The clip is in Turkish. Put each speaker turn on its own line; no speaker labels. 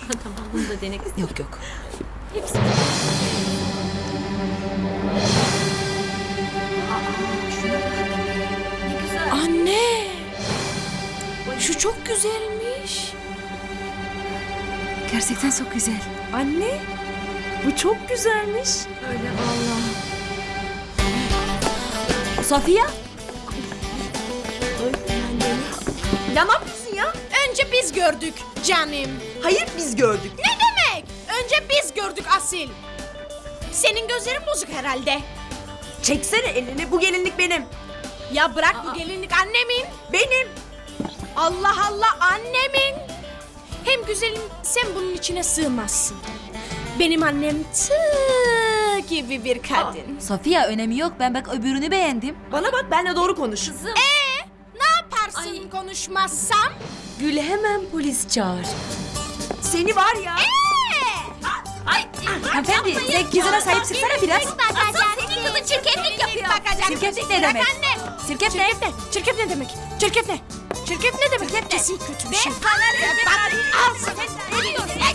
Tamam, bunu da dene kız.
Yok yok.
Hepsi. Şuna bak. Ne güzel.
Anne! Şu çok güzelmiş. Gerçekten çok güzel. Anne, bu çok güzelmiş.
Öyle vallahi.
Safiye?
Ya ne yapıyorsun ya?
Önce biz gördük canım.
Hayır biz gördük.
Ne demek? Önce biz gördük Asil. Senin gözlerin bozuk herhalde.
Çeksene elini, bu gelinlik benim.
Ya bırak, bu gelinlik annemin.
Benim.
Allah Allah, annemin. Hem güzelim, sen bunun içine sığmazsın. Benim annem tığ gibi bir kadın.
Safiye önemi yok. Ben bak öbürünü beğendim.
Bana bak, benle doğru konuş.
Kızım.
Ne yaparsın konuşmazsam?
Gül hemen polis çağır.
Seni var ya.
Hanımefendi sen kızına sahip çıksana biraz.
Senin kızın çirkeflik yapıyor.
Çirkeflik ne demek? Çirkef ne?
Çirkef ne demek? Çirkef ne? Çirkef ne demek? Kesin kötü bir şey. Al sen.